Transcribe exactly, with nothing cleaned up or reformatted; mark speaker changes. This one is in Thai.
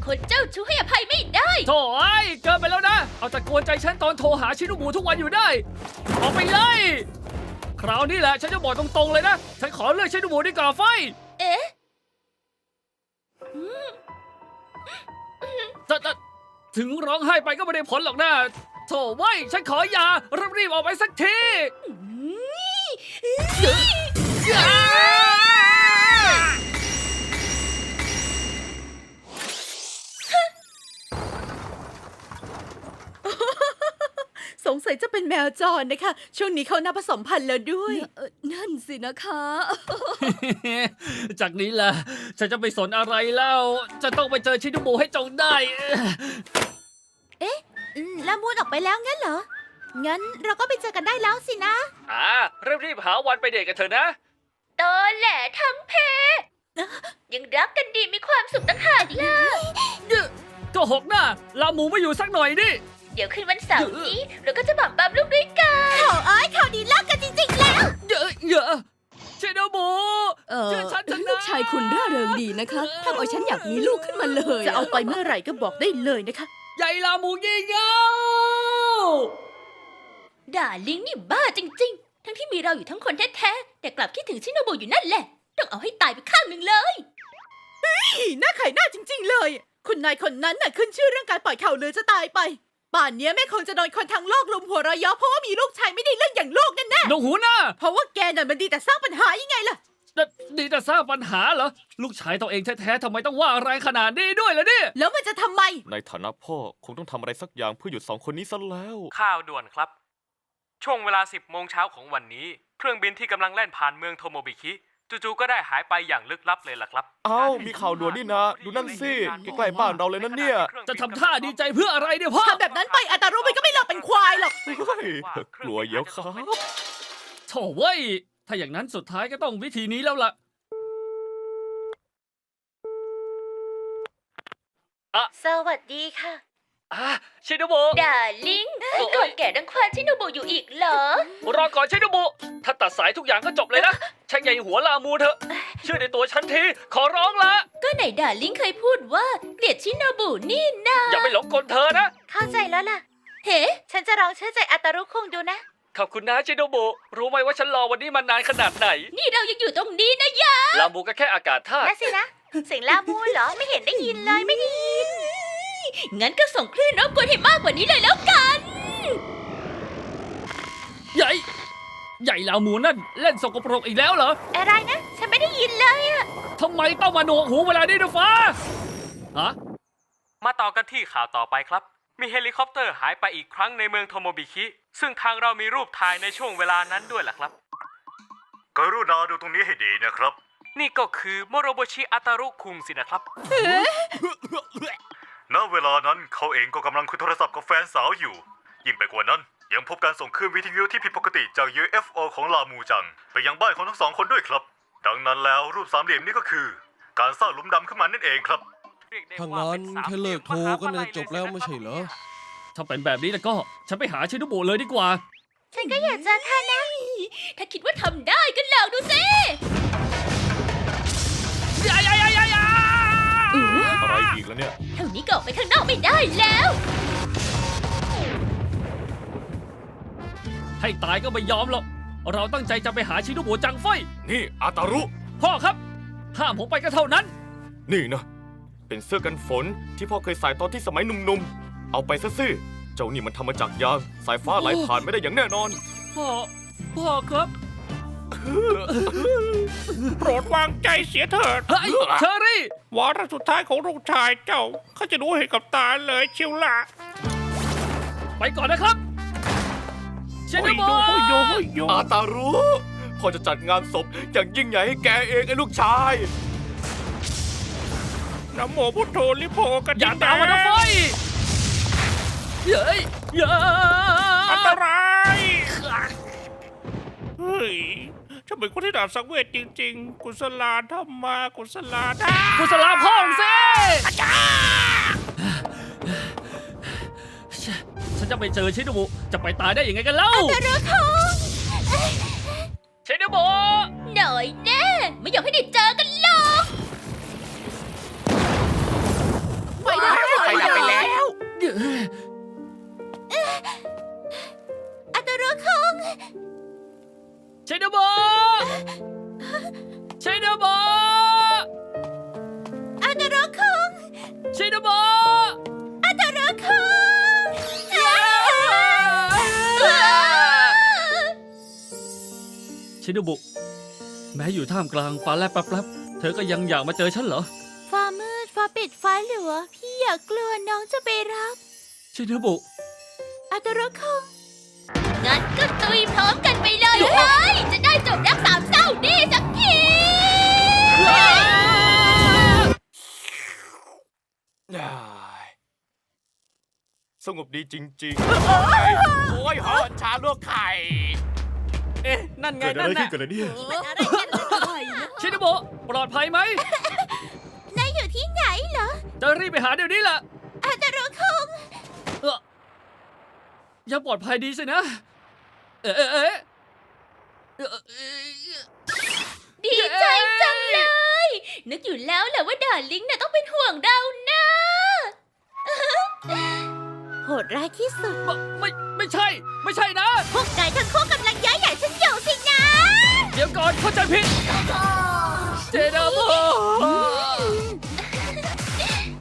Speaker 1: คนเจ้าชู้ให้อภัยไม่ได้
Speaker 2: โถ่ไอ้ยเกินไปแล้วนะ เอาแต่กวนใจฉันตอนโทรหาชินุบุทุกวันอยู่ได้ออกไปเลยคราวนี้แหละฉันจะบอกตรงๆเลยนะฉันขอเลือกชินุบุดีกว่าไฟ
Speaker 1: เอ๊ะ
Speaker 2: แต่แต่ถึงร้องไห้ไปก็ไม่ได้ผลหรอกนะโถ่ไว้ยฉันขออย่ารีบๆออกไปสักที
Speaker 3: สงสัยจะเป็นแมวจรนะคะ ช่วงนี้เขานับผสมพันธุ์แล้วด้วย
Speaker 1: เอ่อนั่นสินะคะ
Speaker 2: จากนี้แหละฉันจะไปสนอะไรแล้วจะต้องไปเจอชินุบุให้จงได้
Speaker 3: ละมูนออกไปแล้วงั้นเหรอ งั้นเราก็ไปเจอกันได้แล้วสินะ
Speaker 2: อ่ารีบๆหาวันไปเดทกันเถอะนะ
Speaker 1: ตอแหลทั้งเพยังรักกันดีมีความสุขต่างหากล่ะ
Speaker 2: ก็หกหน้าลาหมูไม่อยู่สักหน่อยดิ
Speaker 1: เดี๋ยวคืนวันเสาร์นี้เราก็จะบั่มบัมลูกด้วยกัน
Speaker 3: ข่าวอ้ายข่าวดีเลิกกันจริงๆแล้ว
Speaker 2: เยอะเยอะชินุบุ
Speaker 4: เออ
Speaker 2: เชื่อฉันเถอะนะ
Speaker 4: ลูกชายคุณร่าเริงดีนะคะทำเอาฉันอยากมีลูกขึ้นมาเลย
Speaker 3: จะเอาไปเมื่อไหร่ก็บอกได้เลยนะคะ
Speaker 2: ใหญ่ลาหมูยี่เง่า
Speaker 1: ด่าลิงนี่บ้าจริงๆ ทั้งที่มีเราอยู่ทั้งคนแท้ๆแต่กลับคิดถึงชิโนบุอยู่นั่นแหละต้องเอาให้ตายไปข้างหนึ่งเลย
Speaker 3: อีหน้าไข่หน้าจริงๆเลย คุณนายคนนั้นน่ะขึ้นชื่อเรื่องการปล่อยข่าวลือจะตายไป ป่านเนี้ยแม่คงจะโดนคนทั้งโลกลุมหัวเราะเยาะเพราะว่ามีลูกชายไม่ได้เรื่องอย่างลูกแน่แน่
Speaker 2: หนวกหูหน้า
Speaker 3: เพราะว่าแกน่ะมันดีแต่สร้างปัญหายังไงล่ะ
Speaker 2: นี่นี่จะสร้างปัญหาเหรอ ลูกชายตัวเองแท้ๆทำไมต้องว่าแรงขนาดนี้ด้วยล่ะเนี่ย
Speaker 3: แล้วมันจะทำไม
Speaker 5: ในฐานะพ่อคงต้องทำอะไรสักอย่างเพื่อหยุดสองคนนี้ซะแล้ว
Speaker 6: ข่าวด่วนครับ ช่วงเวลา สิบโมงเช้าของวันนี้ เครื่องบินที่กำลังแล่นผ่านเมืองโทโมบิคิจู่ๆก็ได้หายไปอย่างลึกลับเลยล่ะครับ
Speaker 5: เอ้ามีข่าวด่วนนี่นะ ดูนั่นสิใกล้ๆบ้านเราเลยนั่นเนี่ย
Speaker 2: จะทำท่าดีใจเพื่ออะไรเนี่ยพ่อ
Speaker 3: ทำแบบนั้นไปอัตารุมันก็ไม่หลอกเป็นควายหรอก
Speaker 5: เฮ้ยกลัวเยอะครับ
Speaker 2: โถ่เว้ย ถ้าอย่างนั้นสุดท้ายก็ต้องวิธีนี้แล้วล่ะ
Speaker 1: สวัสดีค่ะ
Speaker 2: อ่ะชินุบุ
Speaker 1: ด่าลิงก่อนแก่ดังควานชิโนบุอยู่อีกเหรอ
Speaker 2: รอก่อนชินุบุ ถ้าตัดสายทุกอย่างก็จบเลยนะช่างใหญ่หัวลามูเถอะ เชื่อในตัวฉันที ขอร้องละ
Speaker 1: ก็ไหนด่าลิงเคยพูดว่าเกลียดชิโนบุนี่นา
Speaker 2: อย่าไปหลงกลเธอนะ
Speaker 3: เข้าใจแล้วล่ะ
Speaker 1: เฮ้
Speaker 3: ฉันจะลองเชื่อใจอัตารุคงดูนะ
Speaker 2: ขอบคุณนะชินุบุ รู้ไหมว่าฉันรอวันนี้มานานขนาดไหน
Speaker 1: นี่เรายังอยู่ตรงนี้นะยะ
Speaker 2: ลามูก็แค่อากาศธาตุ
Speaker 3: นั่นสินะ เสียงลามูเหรอ ไม่เห็นได้ยินเลยไม่ได้ยิน
Speaker 1: งั้นก็ส่งคลื่นรบกวนให้มากกว่านี้เลยแล้วกัน
Speaker 2: ใหญ่ ใหญ่ลามูนั่นเล่นสกปรกอีกแล้วเหรอ
Speaker 3: อะไรนะ ฉันไม่ได้ยินเลยอะ
Speaker 2: ทำไมต้องมาหนวกหูเวลานี้ด้วยฟ้าฮะ
Speaker 6: มาต่อกันที่ข่าวต่อไปครับ มีเฮลิคอปเตอร์หายไปอีกครั้งในเมืองโทโมบิคิซึ่งทางเรามีรูปถ่ายในช่วงเวลานั้นด้วยล่ะครับ
Speaker 7: กรุณาดูตรงนี้ให้ดีนะครับ
Speaker 6: นี่ก็คือโมโรโบชิอาตารุคุงสินะครับ
Speaker 7: ณ เวลานั้นเขาเองก็กำลังคุยโทรศัพท์กับแฟนสาวอยู่ ยิ่งไปกว่านั้นยังพบการส่งคลื่นวิทยุที่ผิดปกติจาก ยู เอฟ โอ ของลามูจังไปยังบ้านของทั้งสองคนด้วยครับ ดังนั้นแล้วรูปสามเหลี่ยมนี้ก็คือ การสร้างหลุมดำขึ้นมานั่นเองครับ
Speaker 8: ถ้างั้นแค่เลิกโทรก็น่าจะจบแล้วไม่ใช่เหรอ
Speaker 2: ถ้าเป็นแบบนี้แล้วก็ ฉันไปหาชินุบุเลยดีกว่า
Speaker 3: ฉันก็อยากเจอเธอนะ
Speaker 1: ถ้าคิดว่าทำได้ก็ลองดูสิ
Speaker 5: อะไรอีกแล้วเนี่ย
Speaker 1: เท่านี้ก็ออกไปข้างนอกไม่ได้แล้ว
Speaker 2: ให้ตายก็ไม่ยอมหรอก เราตั้งใจจะไปหาชินุบุจังไฟ
Speaker 5: นี่อาตารุ
Speaker 2: พ่อครับ ห้ามผมไปก็เท่านั้น
Speaker 5: นี่นะ เป็นเสื้อกันฝนที่พ่อเคยใส่ตอนที่สมัยหนุ่มๆ เอาไปซะสิเจ้านี่มันทำมาจากยาง สายฟ้าไหลผ่านไม่ได้อย่างแน่นอน
Speaker 2: พ่อ พ่อครับ
Speaker 9: โปรดวางใจเสียเถิด
Speaker 2: เฮ้ยเชอรี่
Speaker 9: วาระสุดท้ายของลูกชายเจ้าเขาจะรู้เห็นกับตาเลยเชียวล่ะ
Speaker 2: ไปก่อนนะครับชินุบุ
Speaker 9: โอ้ยโยโอ้ยโย
Speaker 5: อาตารุพ่อจะจัดงานศพอย่างยิ่งใหญ่ให้แกเองไอ้ลูกชาย
Speaker 9: นะโมพุทโธลิโพกัน
Speaker 2: อย่าตามมานะไฟเย้ยเย้ย
Speaker 9: อันตรายเฮ้ยฉันเป็นคนที่ด่าสังเวชจริงๆ กุศลาธรรมากุศลาธรรม
Speaker 2: กุศลาพ่อของสิฉันจะไปเจอชินุบุจะไปตายได้ยังไงกันเล่า
Speaker 1: แต่เรือทอง
Speaker 2: ชินุบุ
Speaker 1: หน่อยแน่ไม่อยากให้ได้เจอกันหรอก
Speaker 3: ไป
Speaker 2: ชินโบะ
Speaker 3: อาตาโร่คุง
Speaker 2: ชินโบะ
Speaker 3: อาตาโร่คุง
Speaker 2: ชินโบุแม้อยู่ท่ามกลางฟ้าแลบแป๊บๆเธอก็ยังอยากมาเจอฉันเหรอ
Speaker 3: ฟ้ามืดฟ้าปิดฟ้าหลัวพี่อย่ากลัวน้องจะไปรับ
Speaker 2: ชินโบุ
Speaker 3: อาตาโร่คุง
Speaker 1: งั้นก็ตุยพร้อมกันไปเลยเฮ้ยจะได้จบรักสามเศร้านี่สักที
Speaker 5: สงบดีจริงๆ โอ้ยหอนชาลวกไข่
Speaker 2: เอ๊ะ นั่นไง
Speaker 5: เกิด
Speaker 2: นั่
Speaker 5: อะ
Speaker 2: น
Speaker 5: ไรขึ้
Speaker 2: น่ะ
Speaker 5: นกันเนี่ย
Speaker 3: มันอะไรกันอะไรนะ
Speaker 2: ชินโบุปลอดภัยไหม
Speaker 3: นายอยู่ที่ไหนเหรอ
Speaker 2: จะรีบไปหาเดี๋ยวนี้แหละ
Speaker 3: อาตาโร่คุง
Speaker 2: เออยังปลอดภัยดีสินะ เอ๊ะเอ๊ะเอ๊ะเอ่อเอ๊ะ
Speaker 1: ดีใจจังเลย นึกอยู่แล้วแหละว่าดาร์ลิงน่ะต้องเป็นห่วงเรานะ
Speaker 3: โหดร้ายที่สุด
Speaker 2: ไม่ไม่ไม่ใช่ ไม่ใช่นะ
Speaker 3: พวกนายทั้งคู่กำลังย้ายใหญ่ฉันอยู่สินะ
Speaker 2: เดี๋ยวก่อนเข้าใจผิด เจเด